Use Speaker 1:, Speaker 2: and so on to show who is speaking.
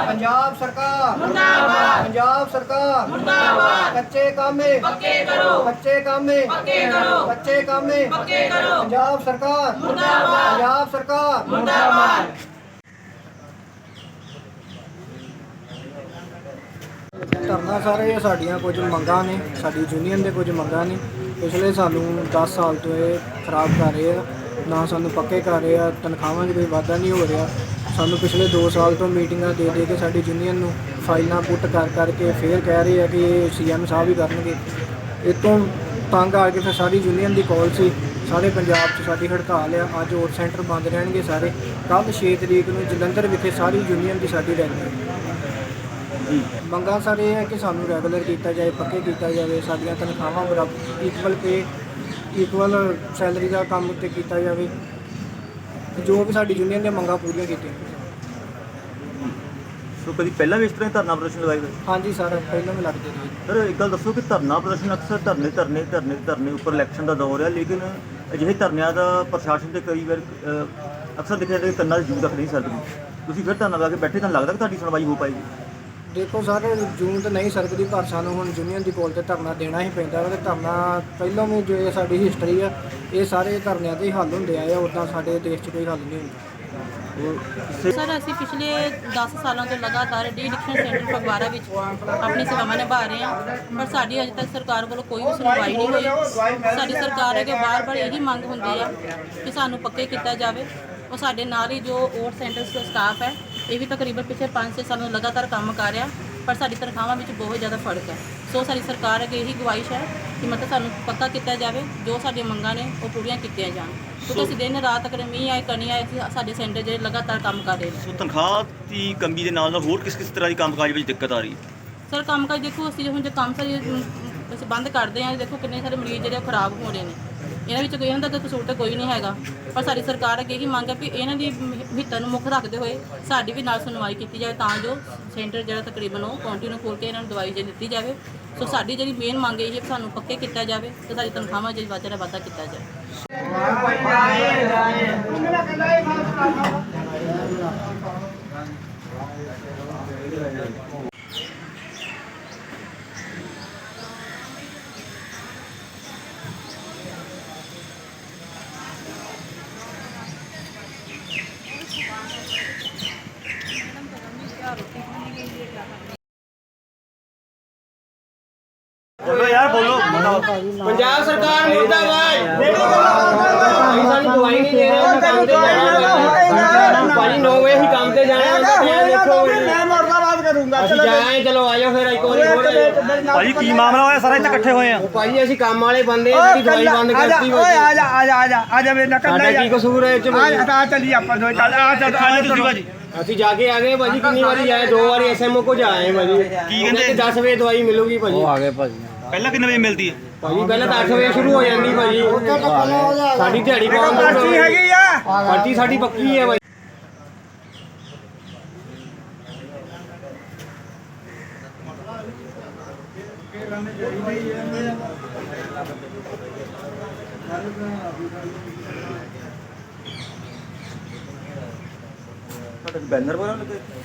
Speaker 1: पंजाब सरकार मुर्दाबाद, पंजाब सरकार मुर्दाबाद। कच्चे कामे पक्के करो, कच्चे कामे पक्के करो, कच्चे कामे पक्के करो। पंजाब सरकार मुर्दाबाद, पंजाब सरकार मुर्दाबाद। ਧਰਨਾ ਸਾਰੇ ਸਾਡੀਆਂ ਕੁਝ ਮੰਗਾਂ ਨੇ, ਸਾਡੀ ਯੂਨੀਅਨ ਦੇ ਕੁਝ ਮੰਗਾਂ ਨੇ। ਪਿਛਲੇ ਸਾਨੂੰ 10 ਸਾਲ ਤੋਂ ਇਹ ਖਰਾਬ ਕਰ ਰਹੇ ਆ, ਨਾ ਸਾਨੂੰ ਪੱਕੇ ਕਰ ਰਹੇ ਆ, ਤਨਖਾਹਾਂ 'ਚ ਕੋਈ ਵਾਧਾ ਨਹੀਂ ਹੋ ਰਿਹਾ। ਸਾਨੂੰ ਪਿਛਲੇ 2 ਸਾਲ ਤੋਂ ਮੀਟਿੰਗਾਂ ਦੇ ਕੇ ਸਾਡੀ ਯੂਨੀਅਨ ਨੂੰ ਫਾਈਲਾਂ ਪੁੱਟ ਕਰਕੇ ਫਿਰ ਕਹਿ ਰਹੇ ਆ ਕਿ ਇਹ CM ਸਾਹਿਬ ਹੀ ਕਰਨਗੇ। ਇਹ ਤੋਂ ਤੰਗ ਆ ਕੇ ਫਿਰ ਸਾਡੀ ਯੂਨੀਅਨ ਦੀ ਕਾਲ ਸੀ, ਸਾਰੇ ਪੰਜਾਬ 'ਚ ਸਾਡੀ ਹੜਤਾਲ ਆ। ਅੱਜ ਔਰ ਸੈਂਟਰ ਬੰਦ ਰਹਿਣਗੇ ਸਾਰੇ। ਕੱਲ੍ਹ 6 ਤਰੀਕ ਨੂੰ ਜਲੰਧਰ ਵਿਖੇ ਸਾਰੀ ਯੂਨੀਅਨ ਦੀ ਸਾਡੀ ਰੈਲੀ। ਮੰਗਾਂ ਸਰ ਇਹ ਹੈ ਕਿ ਸਾਨੂੰ ਰੈਗੂਲਰ ਕੀਤਾ ਜਾਏ, ਪੱਕੇ ਕੀਤਾ ਜਾਵੇ, ਸਾਡੀਆਂ ਤਨਖਾਹਾਂ ਬਰਾਬਰ ਇਕੁਅਲ ਪੇ, ਇਕੁਅਲ ਸੈਲਰੀ ਦਾ ਕੰਮ ਉੱਤੇ ਕੀਤਾ ਜਾਵੇ, ਜੋ ਵੀ ਸਾਡੀ ਯੂਨੀਅਨ ਦੀਆਂ ਮੰਗਾਂ ਪੂਰੀਆਂ ਕੀਤੀਆਂ।
Speaker 2: ਸੋ ਕਦੀ ਪਹਿਲਾਂ ਵੀ ਇਸ ਤਰ੍ਹਾਂ ਧਰਨਾ ਪ੍ਰਦਰਸ਼ਨ ਲਗਾਏ ਹੋਏ?
Speaker 1: ਹਾਂਜੀ ਸਰ, ਪਹਿਲਾਂ ਵੀ ਲੱਗਦੇ ਰਹੇ।
Speaker 2: ਸਰ ਇੱਕ ਗੱਲ ਦੱਸੋ ਕਿ ਧਰਨਾ ਪ੍ਰਦਰਸ਼ਨ ਅਕਸਰ ਧਰਨੇ ਉੱਪਰ ਇਲੈਕਸ਼ਨ ਦਾ ਦੌਰ ਹੈ, ਲੇਕਿਨ ਅਜਿਹੇ ਧਰਨਿਆਂ ਦਾ ਪ੍ਰਸ਼ਾਸਨ ਤੇ ਕਈ ਵਾਰ ਅਕਸਰ ਦੇਖਿਆ ਜਾਂਦਾ ਕਿ ਕੰਨਾਂ 'ਚ ਜੂੰ ਰੱਖ ਨਹੀਂ ਸਕਦੀ। ਤੁਸੀਂ ਫਿਰ ਧਰਨਾ ਲਾ ਕੇ ਬੈਠੇ, ਤੁਹਾਨੂੰ ਲੱਗਦਾ ਕਿ ਤੁਹਾਡੀ ਸੁਣਵਾਈ ਹੋ ਪਾਏਗੀ?
Speaker 1: ਦੇਖੋ ਸਰ, ਜੂਨ ਤਾਂ ਨਹੀਂ ਸਕਦੀ, ਪਰ ਸਾਨੂੰ ਹੁਣ ਯੂਨੀਅਨ ਦੀ ਕੋਲ ਤੇ ਧਰਨਾ ਦੇਣਾ ਹੀ ਪੈਂਦਾ ਵਾ। ਤੇ ਧਰਨਾ ਪਹਿਲਾਂ ਵੀ ਜੋ ਇਹ ਸਾਡੀ ਹਿਸਟਰੀ ਆ, ਇਹ ਸਾਰੇ ਧਰਨਿਆਂ ਤੇ ਹੀ ਹੱਲ ਹੁੰਦੇ ਆਏ ਆ, ਉੱਦਾਂ ਸਾਡੇ ਦੇਸ਼ 'ਚ ਕੋਈ ਹੱਲ ਨਹੀਂ ਹੁੰਦਾ।
Speaker 3: ਸਰ ਅਸੀਂ ਪਿਛਲੇ 10 ਸਾਲਾਂ ਤੋਂ ਲਗਾਤਾਰ ਡੀ-ਐਡਿਕਸ਼ਨ ਸੈਂਟਰ ਫਗਵਾੜਾ ਵਿੱਚ ਆਪਣੀ ਸੇਵਾਵਾਂ ਨਿਭਾ ਰਹੇ ਹਾਂ, ਪਰ ਸਾਡੀ ਅਜੇ ਤੱਕ ਸਰਕਾਰ ਵੱਲੋਂ ਕੋਈ ਵੀ ਸੁਣਵਾਈ ਨਹੀਂ ਹੋਈ। ਸਾਡੀ ਸਰਕਾਰ ਅੱਗੇ ਬਾਰ-ਬਾਰ ਇਹੀ ਮੰਗ ਹੁੰਦੀ ਆ ਕਿ ਸਾਨੂੰ ਪੱਕੇ ਕੀਤਾ ਜਾਵੇ। ਉਹ ਸਾਡੇ ਨਾਲ ਹੀ ਜੋ ਔਰ ਸੈਂਟਰ ਸਟਾਫ ਹੈ, ਇਹ ਵੀ ਤਕਰੀਬਨ ਪਿਛਲੇ 5-6 ਸਾਲਾਂ ਤੋਂ ਲਗਾਤਾਰ ਕੰਮ ਕਰ ਰਿਹਾ, ਪਰ ਸਾਡੀ ਤਨਖਾਹਾਂ ਵਿੱਚ ਬਹੁਤ ਜ਼ਿਆਦਾ ਫਰਕ ਹੈ। ਸੋ ਸਾਡੀ ਸਰਕਾਰ ਅੱਗੇ ਇਹੀ ਗੁਜ਼ਾਰਿਸ਼ ਹੈ ਕਿ ਮਤਲਬ ਸਾਨੂੰ ਪੱਕਾ ਕੀਤਾ ਜਾਵੇ, ਜੋ ਸਾਡੀਆਂ ਮੰਗਾਂ ਨੇ ਉਹ ਪੂਰੀਆਂ ਕੀਤੀਆਂ ਜਾਣ, ਕਿਉਂਕਿ ਅਸੀਂ ਦਿਨ ਰਾਤ ਅਗਰ ਮੀਂਹ ਆਏ ਕਣੀ ਆਏ, ਸਾਡੇ ਸੈਂਟਰ ਜਿਹੜੇ ਲਗਾਤਾਰ ਕੰਮ ਕਰ ਰਹੇ ਨੇ।
Speaker 2: ਸੋ ਤਨਖਾਹ ਦੀ ਕਮੀ ਦੇ ਨਾਲ ਹੋਰ ਕਿਸ ਤਰ੍ਹਾਂ ਦੀ ਕੰਮਕਾਜ ਵਿੱਚ ਦਿੱਕਤ ਆ ਰਹੀ ਹੈ?
Speaker 3: ਸਰ ਕੰਮਕਾਜ ਦੇਖੋ, ਅਸੀਂ ਹੁਣ ਜੇ ਕੰਮ ਸਾਰੀ ਅਸੀਂ ਬੰਦ ਕਰਦੇ ਹਾਂ, ਦੇਖੋ ਕਿੰਨੇ ਸਾਰੇ ਮਰੀਜ਼ ਜਿਹੜੇ ਖਰਾਬ ਹੋ ਰਹੇ ਨੇ। ਇਹਨਾਂ ਵਿੱਚ ਕੋਈ ਇਹਨਾਂ ਦਾ ਕਸੂਰ ਤਾਂ ਕੋਈ ਨਹੀਂ ਹੈਗਾ, ਪਰ ਸਾਡੀ ਸਰਕਾਰ ਅੱਗੇ ਇਹੀ ਮੰਗ ਹੈ ਵੀ ਇਹਨਾਂ ਦੀ ਹਿੱਤਾਂ ਨੂੰ ਮੁੱਖ ਰੱਖਦੇ ਹੋਏ ਸਾਡੀ ਵੀ ਨਾਲ ਸੁਣਵਾਈ ਕੀਤੀ ਜਾਵੇ, ਤਾਂ ਜੋ ਸੈਂਟਰ ਜਿਹੜਾ ਤਕਰੀਬਨ ਉਹ ਕੰਟੀਨਿਊ ਖੋਲ੍ਹ ਕੇ ਇਹਨਾਂ ਨੂੰ ਦਵਾਈ ਜੇ ਦਿੱਤੀ ਜਾਵੇ। ਸੋ ਸਾਡੀ ਜਿਹੜੀ ਮੇਨ ਮੰਗ ਇਹ ਹੈ ਕਿ ਸਾਨੂੰ ਪੱਕੇ ਕੀਤਾ ਜਾਵੇ ਤੇ ਸਾਡੀ ਤਨਖਾਹਾਂ ਜਿਹੜੀ ਵਾਧਾ ਕੀਤਾ ਜਾਵੇ।
Speaker 2: ਬੋਲੋ ਯਾਰ, ਬੋਲੋ।
Speaker 4: पंजाब सरकार मुर्दाबाद। सानू दवाई नहीं दे रहे, काम ते जाना भाजी 9 बजे ही काम ते जाना। देखो मैं मुर्दाबाद करूंगा। जाए चलो आयो फिर एक और
Speaker 2: ਭਾਜੀ ਕੀ ਮਾਮਲਾ ਹੋਇਆ? ਸਾਰੇ ਇੱਥੇ ਇਕੱਠੇ ਹੋਏ ਆ।
Speaker 4: भाजी ਅਸੀਂ ਕੰਮ ਵਾਲੇ ਬੰਦੇ ਆ, ਜਿਹੜੀ ਦਵਾਈ ਬੰਦ ਕਰਤੀ। ਓਏ ਆ ਜਾ ਮੇਰੇ ਨਾਲ
Speaker 5: ਸਾਡਾ
Speaker 4: ਕੀ ਕਸੂਰ ਹੈ ਇਹ ਚ?
Speaker 5: ਆ ਚੱਲੀ ਆਪਾਂ ਦੋ ਚੱਲ ਆ
Speaker 2: ਤੁਸੀਂ ਭਾਜੀ
Speaker 4: ਅਸੀਂ ਜਾ ਕੇ ਆ ਗਏ ਭਾਜੀ, ਕਿੰਨੀ ਵਾਰੀ ਆਏ, 2 ਵਾਰੀ SMO ਕੋ ਜਾਏ ਭਾਜੀ।
Speaker 2: ਕੀ ਕਹਿੰਦੇ?
Speaker 4: 10 ਵਜੇ ਦਵਾਈ ਮਿਲੂਗੀ ਭਾਜੀ।
Speaker 5: ਆ ਗਏ ਭਾਜੀ।
Speaker 2: ਪਹਿਲਾਂ ਕਿੰਨੇ ਵਜੇ ਮਿਲਦੀ ਹੈ?
Speaker 4: ਭਾਜੀ ਪਹਿਲਾਂ ਤਾਂ 8 ਵਜੇ ਸ਼ੁਰੂ ਹੋ ਜਾਂਦੀ ਭਾਜੀ। ਸਾਡੀ ਦਿਹਾੜੀ ਪਾਉਣ
Speaker 5: ਪਰਚੀ ਹੈਗੀ ਆ,
Speaker 4: ਪਰਚੀ ਸਾਡੀ ਪੱਕੀ ਹੈ ਭਾਜੀ।
Speaker 2: ਤੁਹਾਡੇ ਬੈਨਰ ਵਗੈਰਾ ਲੱਗੇ?